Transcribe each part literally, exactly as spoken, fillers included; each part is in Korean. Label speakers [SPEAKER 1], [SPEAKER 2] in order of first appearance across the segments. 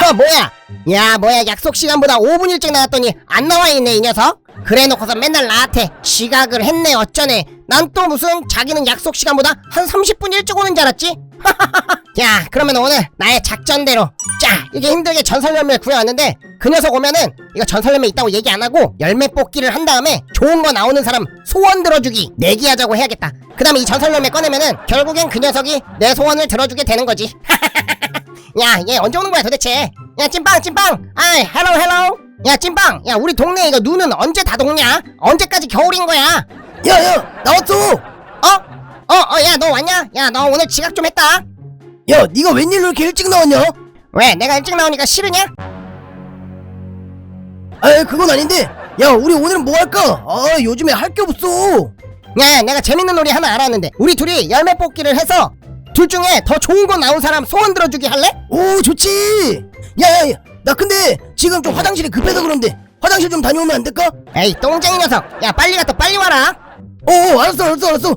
[SPEAKER 1] 어 뭐야? 야 뭐야, 약속 시간보다 오 분 일찍 나왔더니 안 나와 있네 이 녀석. 그래 놓고서 맨날 나한테 지각을 했네 어쩌네. 난 또 무슨 자기는 약속 시간보다 한 삼십 분 일찍 오는 줄 알았지? 야 그러면 오늘 나의 작전대로 자 이렇게 힘들게 전설 열매를 구해왔는데, 그 녀석 오면은 이거 전설 열매 있다고 얘기 안 하고 열매 뽑기를 한 다음에 좋은 거 나오는 사람 소원 들어주기 내기하자고 해야겠다. 그 다음에 이 전설 열매 꺼내면은 결국엔 그 녀석이 내 소원을 들어주게 되는 거지. 야 얘 언제 오는 거야 도대체? 야 찐빵 찐빵 아이 헬로 헬로. 야 찐빵, 야 우리 동네 이거 눈은 언제 다 녹냐? 언제까지 겨울인 거야?
[SPEAKER 2] 야야 나왔어.
[SPEAKER 1] 어? 어? 어 야 너 왔냐? 야 너 오늘 지각 좀 했다.
[SPEAKER 2] 야 니가 웬일로 이렇게 일찍 나왔냐?
[SPEAKER 1] 왜 내가 일찍 나오니까 싫으냐?
[SPEAKER 2] 아 그건 아닌데, 야 우리 오늘은 뭐 할까? 아 요즘에 할 게 없어.
[SPEAKER 1] 야 내가 재밌는 놀이 하나 알았는데, 우리 둘이 열매 뽑기를 해서 둘 중에 더 좋은 거 나온 사람 소원 들어주기 할래?
[SPEAKER 2] 오 좋지. 야야야 나 근데 지금 좀 화장실이 급해서 그런데 화장실 좀 다녀오면 안 될까?
[SPEAKER 1] 에이 똥쟁이 녀석, 야 빨리 갔다 빨리 와라.
[SPEAKER 2] 오 알았어 알았어 알았어.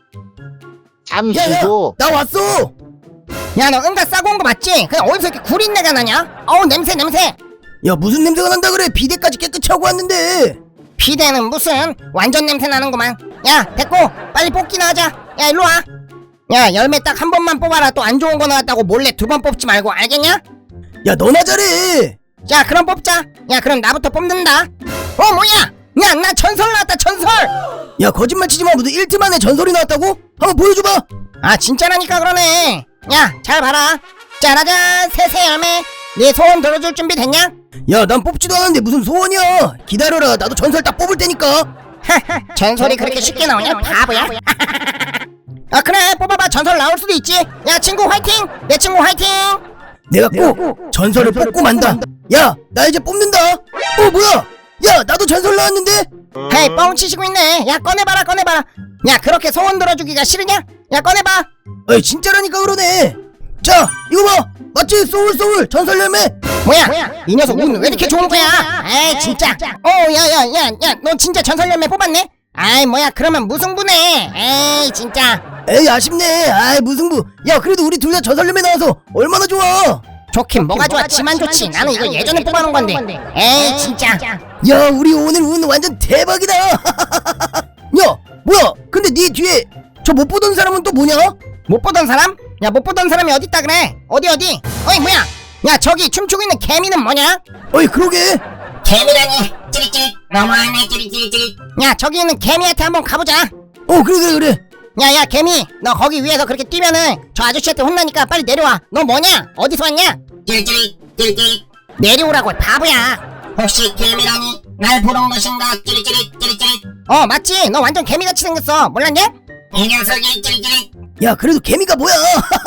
[SPEAKER 3] 잠시
[SPEAKER 2] 야야
[SPEAKER 3] 후
[SPEAKER 2] 나 왔어.
[SPEAKER 1] 야 너 응가 싸고 온 거 맞지? 그냥 어디서 이렇게 구린내가 나냐? 어우 냄새 냄새.
[SPEAKER 2] 야 무슨 냄새가 난다 그래? 비데까지 깨끗이 하고 왔는데.
[SPEAKER 1] 비대는 무슨, 완전 냄새 나는구만. 야 됐고 빨리 뽑기나 하자. 야 일로 와. 야 열매 딱 한 번만 뽑아라. 또 안 좋은 거 나왔다고 몰래 두 번 뽑지 말고, 알겠냐?
[SPEAKER 2] 야 너나 잘해.
[SPEAKER 1] 자 그럼 뽑자. 야 그럼 나부터 뽑는다. 어 뭐야? 야 나 전설 나왔다 전설.
[SPEAKER 2] 야 거짓말 치지마. 무슨 일 트 만에 전설이 나왔다고? 한번 보여줘봐.
[SPEAKER 1] 아 진짜라니까 그러네. 야 잘 봐라. 짜라잔 새새 열매. 네 소원 들어줄 준비 됐냐?
[SPEAKER 2] 야 난 뽑지도 않았는데 무슨 소원이야. 기다려라 나도 전설 딱 뽑을 테니까.
[SPEAKER 1] 전설이 그렇게 쉽게 나오냐 바보야. 아 그래 뽑아봐. 전설 나올 수도 있지. 야 친구 화이팅. 내 친구 화이팅.
[SPEAKER 2] 내가 꼭 전설을 뽑고 만다. 야 나 이제 뽑는다. 어 뭐야? 야 나도 전설 나왔는데.
[SPEAKER 1] 헤이 뻥치시고 있네. 야 꺼내봐라 꺼내봐라. 야 그렇게 소원 들어주기가 싫으냐? 야 꺼내봐.
[SPEAKER 2] 어이 진짜라니까 그러네. 자 이거 봐. 맞지? 소울 소울 전설 열매.
[SPEAKER 1] 뭐야? 이 녀석 운 왜 이렇게 좋은 거야? 에이 진짜. 어 야야야야 너 진짜 전설 열매 뽑았네? 아이 뭐야 그러면 무승부네. 에이 진짜.
[SPEAKER 2] 에이 아쉽네. 아이 무승부. 야 그래도 우리 둘 다 전설 열매 나와서 얼마나 좋아.
[SPEAKER 1] 좋긴 뭐가 좋아. 지만 좋지. 나는 이거 예전에 뽑아놓은 건데. 에이 진짜.
[SPEAKER 2] 야 우리 오늘 운 완전 대박이다. 야 뭐야? 근데 네 뒤에 저 못 보던 사람은 또 뭐냐?
[SPEAKER 1] 못 보던 사람? 야 못 보던 사람이 어딨다 그래? 어디 어디? 어이 뭐야? 야 저기 춤추고 있는 개미는 뭐냐?
[SPEAKER 2] 어이 그러게.
[SPEAKER 1] 개미라니 찌릿찌릿 너무하네 찌릿찌릿찌릿. 야 저기 있는 개미한테 한번 가보자.
[SPEAKER 2] 어 그래 그래 그래.
[SPEAKER 1] 야야 개미, 너 거기 위에서 그렇게 뛰면은 저 아저씨한테 혼나니까 빨리 내려와. 너 뭐냐? 어디서 왔냐?
[SPEAKER 4] 찌릿찌릿 찌릿찌릿.
[SPEAKER 1] 내려오라고 바보야.
[SPEAKER 4] 혹시 개미라니 날 보는 것인가? 찌릿찌릿 찌릿찌릿.
[SPEAKER 1] 어 맞지? 너 완전 개미같이 생겼어. 몰랐냐?
[SPEAKER 4] 이 녀석이 찌릿찌릿.
[SPEAKER 2] 야 그래도 개미가 뭐야?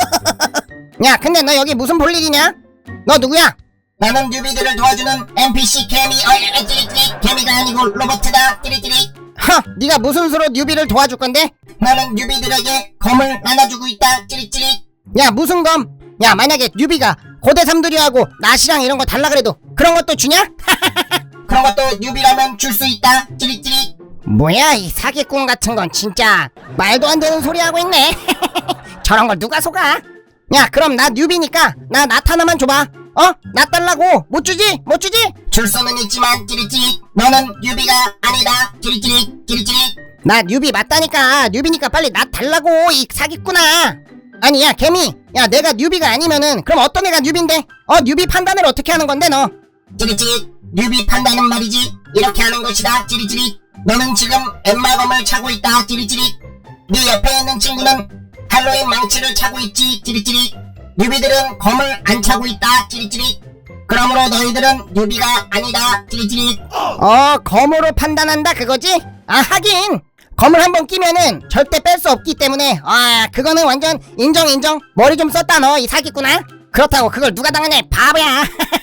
[SPEAKER 1] 야 근데 너 여기 무슨 볼 일이냐? 너 누구야?
[SPEAKER 4] 나는 뉴비들을 도와주는 엔피씨 개미. 어 찌릿찌릿. 개미가 아니고 로봇이다. 찌릿찌릿.
[SPEAKER 1] 허, 네가 무슨 수로 뉴비를 도와줄 건데?
[SPEAKER 4] 나는 뉴비들에게 검을 나눠주고 있다. 찌릿찌릿.
[SPEAKER 1] 야 무슨 검? 야 만약에 뉴비가 고대 삼두리하고 낫이랑 이런 거 달라 그래도 그런 것도 주냐?
[SPEAKER 4] 그런 것도 뉴비라면 줄 수 있다. 찌릿찌릿.
[SPEAKER 1] 뭐야 이 사기꾼 같은 건 진짜 말도 안 되는 소리 하고 있네. 저런 걸 누가 속아? 야 그럼 나 뉴비니까 나 낫 하나만 줘봐. 어? 낫 달라고. 못 주지? 못 주지?
[SPEAKER 4] 줄 수는 있지만 찌릿찌릿. 너는 뉴비가 아니다. 찌릿찌릿 찌릿찌릿.
[SPEAKER 1] 나 뉴비 맞다니까. 뉴비니까 빨리 낫 달라고 이 사기꾼아. 아니 야 개미, 야 내가 뉴비가 아니면은 그럼 어떤 애가 뉴비인데? 어 뉴비 판단을 어떻게 하는 건데 너?
[SPEAKER 4] 찌릿찌릿. 뉴비 판단은 말이지 이렇게 하는 것이다. 찌릿찌릿. 너는 지금 엠마검을 차고 있다. 찌릿찌릿. 네 옆에 있는 친구는 할로윈 망치를 차고 있지. 찌릿찌릿. 뉴비들은 검을 안 차고 있다. 찌릿찌릿. 그러므로 너희들은 뉴비가 아니다. 찌릿찌릿.
[SPEAKER 1] 어 검으로 판단한다 그거지? 아 하긴 검을 한번 끼면은 절대 뺄 수 없기 때문에 아 그거는 완전 인정 인정. 머리 좀 썼다 너 이 사기꾼아. 그렇다고 그걸 누가 당하냐 이 바보야.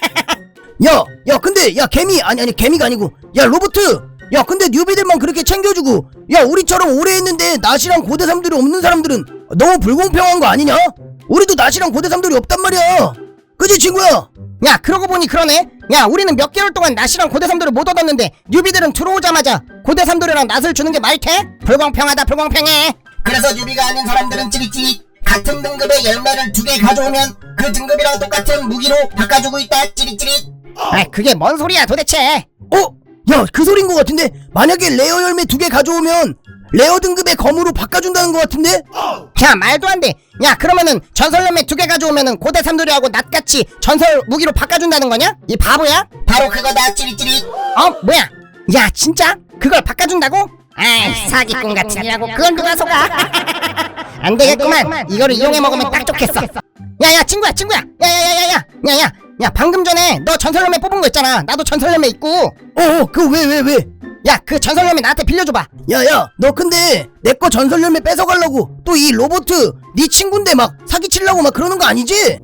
[SPEAKER 2] 야, 야 근데 야 개미 아니 아니 개미가 아니고 야 로보트. 야 근데 뉴비들만 그렇게 챙겨주고 야 우리처럼 오래 했는데 낫이랑 고대 삼들이 없는 사람들은 너무 불공평한 거 아니냐? 우리도 낫이랑 고대 삼들이 없단 말이야. 그지 친구야?
[SPEAKER 1] 야 그러고 보니 그러네. 야 우리는 몇 개월 동안 낫이랑 고대 삼돌을 못 얻었는데 뉴비들은 들어오자마자 고대 삼돌이랑 낫을 주는 게 말이 돼? 불공평하다 불공평해.
[SPEAKER 4] 그래서 뉴비가 아닌 사람들은 찌릿찌릿 같은 등급의 열매를 두 개 가져오면 그 등급이랑 똑같은 무기로 바꿔주고 있다 찌릿찌릿.
[SPEAKER 1] 아 그게 뭔 소리야 도대체.
[SPEAKER 2] 어? 야, 그 소린 것 같은데? 만약에 레어 열매 두 개 가져오면 레어 등급의 검으로 바꿔준다는 것 같은데?
[SPEAKER 1] 야 말도 안 돼. 야 그러면은 전설 열매 두 개 가져오면은 고대 삼돌이하고 낫같이 전설 무기로 바꿔준다는 거냐? 이 바보야?
[SPEAKER 4] 바로 그거다 찌릿찌릿.
[SPEAKER 1] 어 뭐야? 야 진짜? 그걸 바꿔준다고? 아이 사기꾼 같은 이라고 그건 누가 속아? 안 되겠구만. 이거를 이용해 먹으면 딱 좋겠어. 야야 친구야 친구야. 야야야야야. 야야. 야 방금 전에 너 전설 열매 뽑은 거 있잖아. 나도 전설 열매 있고.
[SPEAKER 2] 어어, 그 왜 왜 왜?
[SPEAKER 1] 야 그 전설 열매 나한테 빌려줘봐.
[SPEAKER 2] 야야, 너 근데 내 거 전설 열매 뺏어가려고 또 이 로보트 네 친구인데 막 사기치려고 막 그러는 거 아니지?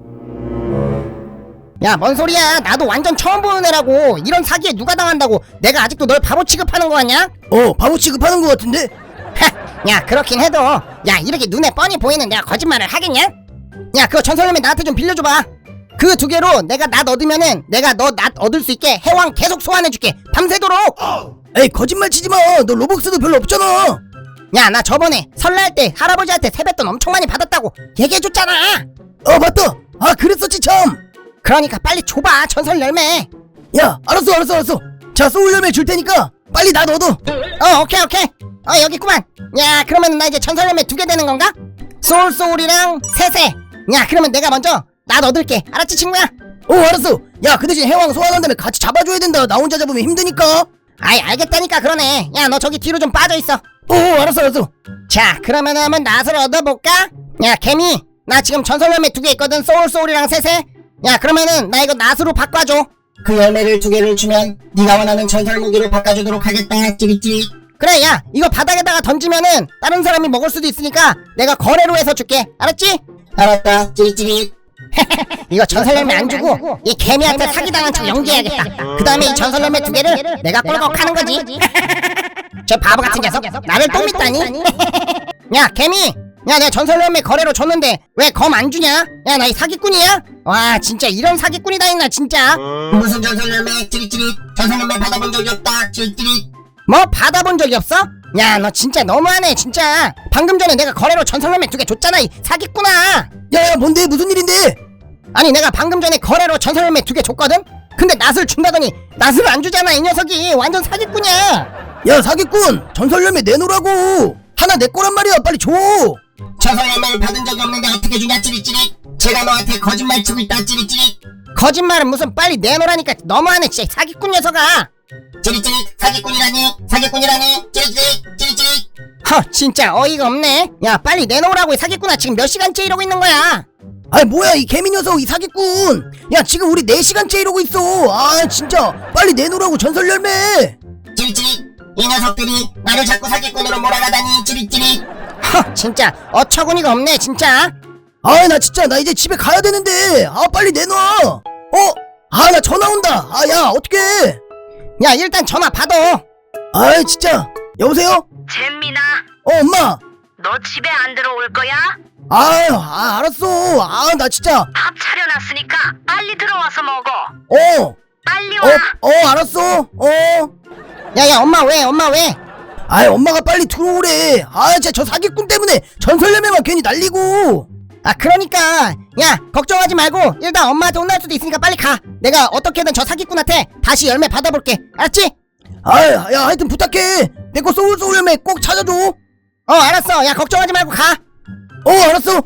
[SPEAKER 1] 야 뭔 소리야. 나도 완전 처음 보는 애라고. 이런 사기에 누가 당한다고 내가 아직도 널 바보 취급하는 거 같냐?
[SPEAKER 2] 어, 바보 취급하는 것 같은데?
[SPEAKER 1] 하, 야 그렇긴 해도 야 이렇게 눈에 뻔히 보이는 내가 거짓말을 하겠냐? 야 그거 전설 열매 나한테 좀 빌려줘봐. 그 두 개로 내가 낫 얻으면은 내가 너 낫 얻을 수 있게 해왕 계속 소환해줄게. 밤새도록.
[SPEAKER 2] 에이, 거짓말 치지마. 너 로벅스도 별로 없잖아.
[SPEAKER 1] 야 나 저번에 설날 때 할아버지한테 세뱃돈 엄청 많이 받았다고 얘기해줬잖아.
[SPEAKER 2] 어, 맞다. 아, 그랬었지 참.
[SPEAKER 1] 그러니까 빨리 줘봐 전설 열매.
[SPEAKER 2] 야, 알았어 알았어 알았어. 자, 소울 열매 줄 테니까 빨리 나 얻어.
[SPEAKER 1] 어 오케이 오케이. 어 여기 있구만. 야 그러면 나 이제 전설 열매 두 개 되는 건가? 소울 소울이랑 세세. 야 그러면 내가 먼저 낫 얻을게. 알았지 친구야?
[SPEAKER 2] 어, 알았어. 야, 그 대신 해왕 소환한 다음에 같이 잡아줘야 된다. 나 혼자 잡으면 힘드니까.
[SPEAKER 1] 아이 알겠다니까. 그러네. 야 너 저기 뒤로 좀 빠져있어.
[SPEAKER 2] 어, 알았어 알았어.
[SPEAKER 1] 자 그러면은 한번 낫을 얻어볼까? 야 개미 나 지금 전설 열매 두 개 있거든. 소울 소울이랑 세세. 야 그러면은 나 이거 낫으로 바꿔줘.
[SPEAKER 4] 그 열매를 두 개를 주면 네가 원하는 전설 무기로 바꿔주도록 하겠다 찌릿찌릿.
[SPEAKER 1] 그래 야 이거 바닥에다가 던지면은 다른 사람이 먹을 수도 있으니까 내가 거래로 해서 줄게. 알았지?
[SPEAKER 4] 알았다 찌릿찌릿.
[SPEAKER 1] 이거 전설 열매 안 주고 이 개미한테 사기당한 척 연기해야겠다. 그 다음에 이 전설 열매 두 개를 내가 꿀꺽 하는 거지. 저 바보 같은 녀석 나를 또 믿다니. 야 개미 야 내가 전설 열매 거래로 줬는데 왜 검 안 주냐? 야 나 이 사기꾼이야? 와 진짜 이런 사기꾼이 다 있나 진짜.
[SPEAKER 4] 무슨 전설 열매 찌릿찌릿. 전설 열매 받아본 적이 없다 찌릿찌릿.
[SPEAKER 1] 뭐 받아본 적이 없어? 야 너 진짜 너무하네 진짜. 방금 전에 내가 거래로 전설 열매 두 개 줬잖아 이 사기꾼아.
[SPEAKER 2] 야야, 뭔데? 무슨 일인데?
[SPEAKER 1] 아니 내가 방금 전에 거래로 전설 열매 두 개 줬거든? 근데 낫을 준다더니 낫을 안 주잖아 이 녀석이. 완전 사기꾼이야.
[SPEAKER 2] 야, 사기꾼, 전설 열매 내놓으라고. 하나 내 거란 말이야. 빨리 줘.
[SPEAKER 4] 전설 열매를 받은 적이 없는데 어떻게 주냐 찌릿찌릿. 제가 너한테 거짓말 치고 있다 찌릿찌릿.
[SPEAKER 1] 거짓말은 무슨. 빨리 내놓으라니까. 너무하네 진짜 사기꾼 녀석아.
[SPEAKER 4] 찌릿찌릿. 사기꾼이라니 사기꾼이라니 찌릿찌릿 찌릿찌릿.
[SPEAKER 1] 허 진짜 어이가 없네. 야 빨리 내놓으라고. 이 사기꾼아 지금 몇 시간째 이러고 있는 거야.
[SPEAKER 2] 아이, 뭐야 이 개미 녀석, 이 사기꾼. 야, 지금 우리 네 시간째 이러고 있어. 아, 진짜 빨리 내놓으라고 전설 열매.
[SPEAKER 4] 찌릿찌릿. 이 녀석들이 나를 자꾸 사기꾼으로 몰아가다니 찌릿찌릿.
[SPEAKER 1] 허 진짜 어처구니가 없네 진짜.
[SPEAKER 2] 아, 나 진짜 나 이제 집에 가야 되는데. 아, 빨리 내놔. 어? 아, 나 전화 온다. 아, 야, 어떡해.
[SPEAKER 1] 야 일단 전화 받아.
[SPEAKER 2] 아이, 진짜. 여보세요?
[SPEAKER 5] 잼민아,
[SPEAKER 2] 어, 엄마.
[SPEAKER 5] 너 집에 안 들어올 거야?
[SPEAKER 2] 아유, 아, 알았어. 아, 나 진짜.
[SPEAKER 5] 밥 차려놨으니까 빨리 들어와서 먹어.
[SPEAKER 2] 어.
[SPEAKER 5] 빨리
[SPEAKER 2] 어,
[SPEAKER 5] 와.
[SPEAKER 2] 어, 알았어. 어.
[SPEAKER 1] 야야 엄마 왜 엄마 왜?
[SPEAKER 2] 아이, 엄마가 빨리 들어오래. 아, 진짜 저 사기꾼 때문에 전설 열매만 괜히 날리고.
[SPEAKER 1] 아 그러니까 야 걱정하지 말고 일단 엄마한테 혼날 수도 있으니까 빨리 가. 내가 어떻게든 저 사기꾼한테 다시 열매 받아볼게. 알았지?
[SPEAKER 2] 아이, 야, 하여튼 부탁해. 내 거 소울 소울 열매 꼭 찾아줘.
[SPEAKER 1] 어 알았어. 야 걱정하지 말고 가.
[SPEAKER 2] 어, 알았어.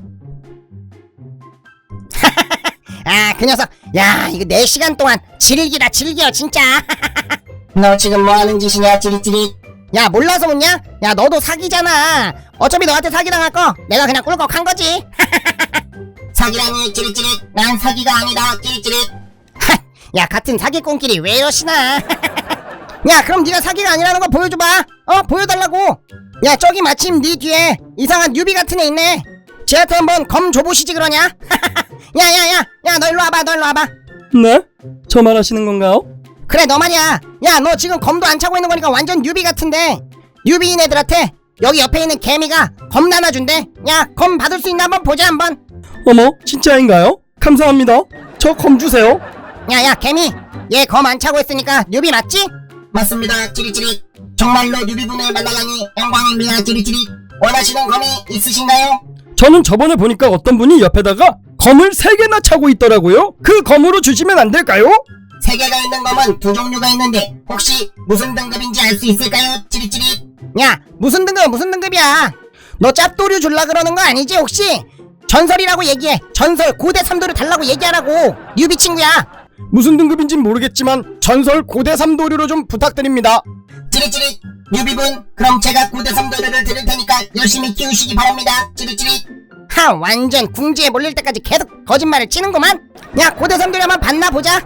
[SPEAKER 1] 아 그 녀석 야 이거 네 시간 동안 즐기다 즐겨 진짜.
[SPEAKER 4] 너 지금 뭐하는 짓이냐 찌릿찌릿.
[SPEAKER 1] 야 몰라서 묻냐? 야 너도 사기잖아. 어차피 너한테 사기당할 거 내가 그냥 꿀꺽 한 거지.
[SPEAKER 4] 사기라니 찌릿찌릿. 난 사기가 아니다 찌릿찌릿.
[SPEAKER 1] 야 같은 사기꾼끼리 왜 이러시나. 야 그럼 네가 사기가 아니라는 거 보여줘봐. 어 보여달라고. 야 저기 마침 네 뒤에 이상한 뉴비 같은 애 있네. 쟤한테 한번 검 줘보시지 그러냐. 야야야 야 너 일로 와봐. 너 일로 와봐.
[SPEAKER 6] 네? 저 말하시는 건가요?
[SPEAKER 1] 그래 너 말이야. 야 너 지금 검도 안 차고 있는 거니까 완전 뉴비 같은데 뉴비인 애들한테 여기 옆에 있는 개미가 검 나눠준대. 야 검 받을 수 있나 한번 보자 한번.
[SPEAKER 6] 어머, 진짜인가요? 감사합니다. 저 검 주세요.
[SPEAKER 1] 야야 개미 얘 검 안 차고 있으니까 뉴비 맞지?
[SPEAKER 4] 맞습니다 찌릿찌릿. 정말로 뉴비분을 만나다니 영광입니다 찌릿찌릿. 원하시는 검이 있으신가요?
[SPEAKER 6] 저는 저번에 보니까 어떤 분이 옆에다가 검을 세 개나 차고 있더라고요. 그 검으로 주시면 안 될까요?
[SPEAKER 4] 세 개가 있는 검은 두 종류가 있는데 혹시 무슨 등급인지 알 수 있을까요? 찌릿찌릿.
[SPEAKER 1] 야 무슨 등급 무슨 등급이야? 너 짭도류 줄라 그러는 거 아니지 혹시? 전설이라고 얘기해. 전설 고대 삼도류 달라고 얘기하라고. 뉴비 친구야.
[SPEAKER 6] 무슨 등급인진 모르겠지만 전설 고대 삼도류로 좀 부탁드립니다.
[SPEAKER 4] 찌릿찌릿. 뉴비분 그럼 제가 고대 삼도류를 드릴 테니까 열심히 키우시기 바랍니다. 찌릿찌릿.
[SPEAKER 1] 하 완전 궁지에 몰릴 때까지 계속 거짓말을 치는구만. 야 고대 삼도류 한번 봤나 보자.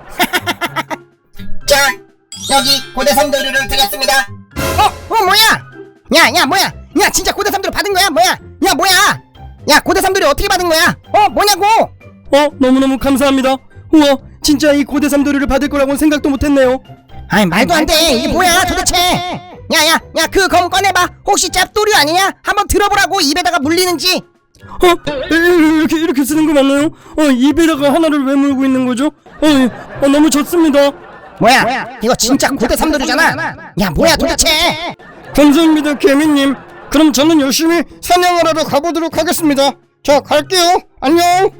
[SPEAKER 4] 자 여기 고대 삼도류를 드렸습니다.
[SPEAKER 1] 어? 어 뭐야? 야야 뭐야? 야 진짜 고대 삼도류 받은 거야? 뭐야? 야 뭐야? 야 고대 삼도류 어떻게 받은 거야? 어 뭐냐고?
[SPEAKER 6] 어 너무너무 감사합니다. 우와 진짜 이 고대 삼도류를 받을 거라고는 생각도 못했네요.
[SPEAKER 1] 아이 말도 안 돼. 이게 뭐야 도대체? 야야 야 그 검 꺼내봐. 혹시 짭도류 아니냐? 한번 들어보라고. 입에다가 물리는지.
[SPEAKER 6] 어? 에, 이렇게 이렇게 쓰는 거 맞나요? 어 입에다가 하나를 왜 물고 있는 거죠? 어, 예. 어 너무 좋습니다.
[SPEAKER 1] 뭐야? 이거 진짜 고대 삼도류잖아. 야 뭐야 도대체?
[SPEAKER 6] 감사합니다 개미님. 그럼 저는 열심히 사냥하러 가보도록 하겠습니다. 자 갈게요. 안녕.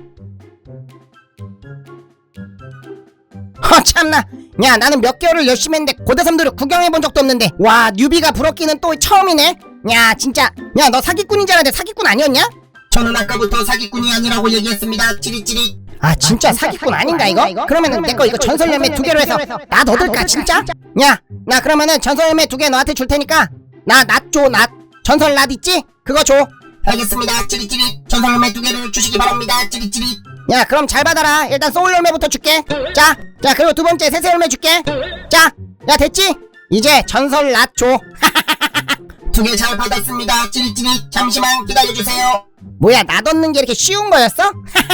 [SPEAKER 1] 허 참나. 야 나는 몇 개월을 열심히 했는데 고대 삼도류 구경해본 적도 없는데 와 뉴비가 부럽기는 또 처음이네. 야 진짜 야 너 사기꾼인 줄 알았는데 사기꾼 아니었냐?
[SPEAKER 4] 저는 아까부터 사기꾼이 아니라고 얘기했습니다. 찌릿찌릿.
[SPEAKER 1] 아 진짜 사기꾼 아닌가 이거? 그러면은 내 거 이거 전설 열매 두 개로 해서 나 얻을까 진짜? 야 나 그러면은 전설 열매 두 개 너한테 줄 테니까 나 낫 줘 낫. 전설 낫 있지? 그거 줘.
[SPEAKER 4] 알겠습니다. 찌릿찌릿. 전설 열매 두 개를 주시기 바랍니다. 찌릿찌릿.
[SPEAKER 1] 야 그럼 잘 받아라. 일단 소울 열매부터 줄게. 자, 자 그리고 두 번째 새새 열매 줄게. 자, 야 됐지? 이제 전설 낫 줘.
[SPEAKER 4] 두 개 잘 받았습니다. 찌릿찌릿. 잠시만 기다려주세요.
[SPEAKER 1] 뭐야 낫 얻는 게 이렇게 쉬운 거였어?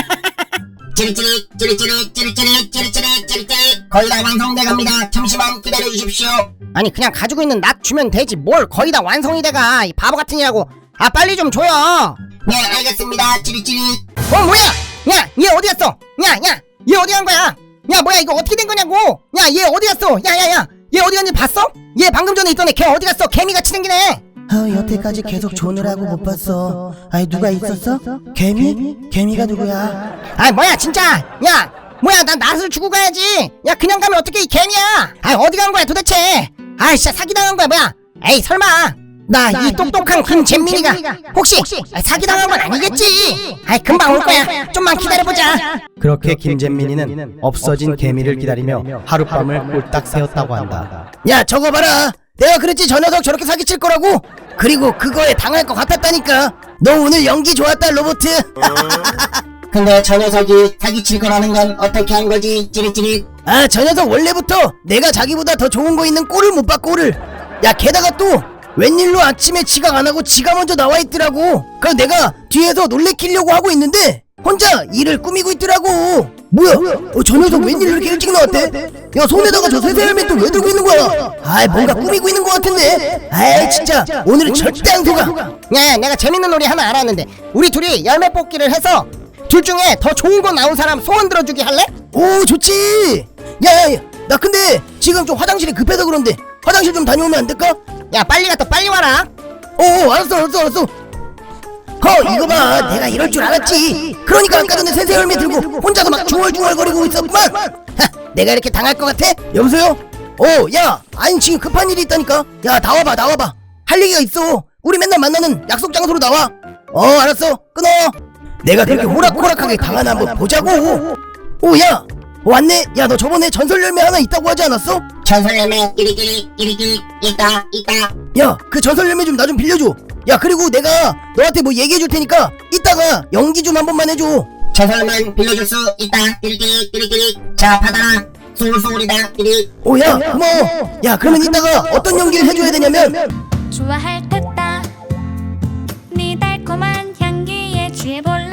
[SPEAKER 4] 찌릿찌릿 찌릿찌릿 찌릿찌릿 찌릿찌릿 찌릿찌릿. 거의 다 완성돼갑니다. 잠시만 기다려주십시오.
[SPEAKER 1] 아니 그냥 가지고 있는 낫 주면 되지 뭘 거의 다 완성이 돼가. 이 바보 같으니라고. 아 빨리 좀 줘요.
[SPEAKER 4] 네 알겠습니다. 찌릿찌릿.
[SPEAKER 1] 어 뭐야? 야 얘 어디 갔어? 야야 얘 어디 간 거야? 야 뭐야 이거 어떻게 된 거냐고? 야 얘 어디 갔어? 야야야 얘 어디 갔는지 봤어? 얘 방금 전에 있던 애 걔 어디 갔어? 개미같이 생긴 애.
[SPEAKER 2] 아 여태까지 계속 조느라고 못 봤어. 아이 누가 있었어? 개미? 개미가 누구야?
[SPEAKER 1] 아 뭐야 진짜. 야 뭐야 난 낫을 주고 가야지. 야 그냥 가면 어떻게 이 개미야. 아 어디 간 거야 도대체. 아 진짜 사기당한 거야 뭐야. 에이 설마 나 이 똑똑한 김잼민이가 혹시 사기당한 건 아니겠지? 아이 금방 올 거야. 좀만 기다려보자.
[SPEAKER 7] 그렇게 김잼민이는 없어진 개미를 기다리며 하룻밤을 꼴딱 새웠다고 한다.
[SPEAKER 2] 야 저거 봐라. 내가 그랬지 저 녀석 저렇게 사기칠 거라고. 그리고 그거에 당할 것 같았다니까. 너 오늘 연기 좋았다 로보트.
[SPEAKER 4] 근데 저 녀석이 사기칠 거라는 건 어떻게 한 거지? 찌릿찌릿.
[SPEAKER 2] 아 저 녀석 원래부터 내가 자기보다 더 좋은 거 있는 꼴을 못 봐 꼴을. 야 게다가 또 웬일로 아침에 지각 안 하고 지가 먼저 나와 있더라고. 그래서 내가 뒤에서 놀래키려고 하고 있는데 혼자 일을 꾸미고 있더라고. 뭐야? 어, 저 녀석 웬일로 이렇게 일찍 나왔대? 야 손에다가 저 새새 헬멧 또 왜 들고 있는 거야? 아이 뭔가 꾸미고 있는 거 같은데. 아이 진짜 오늘은 절대 안 속아.
[SPEAKER 1] 야야 내가 재밌는 놀이 하나 알았는데 우리 둘이 열매 뽑기를 해서 둘 중에 더 좋은 거 나온 사람 소원 들어주기 할래?
[SPEAKER 2] 오 좋지. 야야야 나 근데 지금 좀 화장실이 급해서 그런데 화장실 좀 다녀오면 안 될까?
[SPEAKER 1] 야 빨리 갔다 빨리 와라.
[SPEAKER 2] 어 알았어 알았어 알았어. 허 이거 봐 내가 이럴 줄 알았지. 그러니까 아까 전에 새새 열매 들고 혼자서 막 중얼중얼거리고 있었구만. 하, 내가 이렇게 당할 것 같아? 여보세요? 어야 아니 지금 급한 일이 있다니까. 야 나와봐 나와봐. 할 얘기가 있어. 우리 맨날 만나는 약속 장소로 나와. 어 알았어 끊어. 내가 그렇게 호락호락하게 당하나 한번 보자고. 오야 왔네. 야 너 저번에 전설 열매 하나 있다고 하지 않았어?
[SPEAKER 4] 전설 열매 찌릿찌릿 찌릿찌릿. 있다 있다.
[SPEAKER 2] 야 그 전설 열매 좀 나 좀 빌려줘. 야 그리고 내가 너한테 뭐 얘기해 줄 테니까 이따가 연기 좀 한 번만 해줘.
[SPEAKER 4] 전설 열매 빌려줄 수 있다. 찌릿찌릿 찌릿찌릿. 자 받아라. 소울소울이다. 찌릿.
[SPEAKER 2] 오야 고마워. 야 그러면 이따가 어떤 연기를 해줘야 되냐면
[SPEAKER 8] 좋아할 듯다 네 달콤한 향기에 취해볼래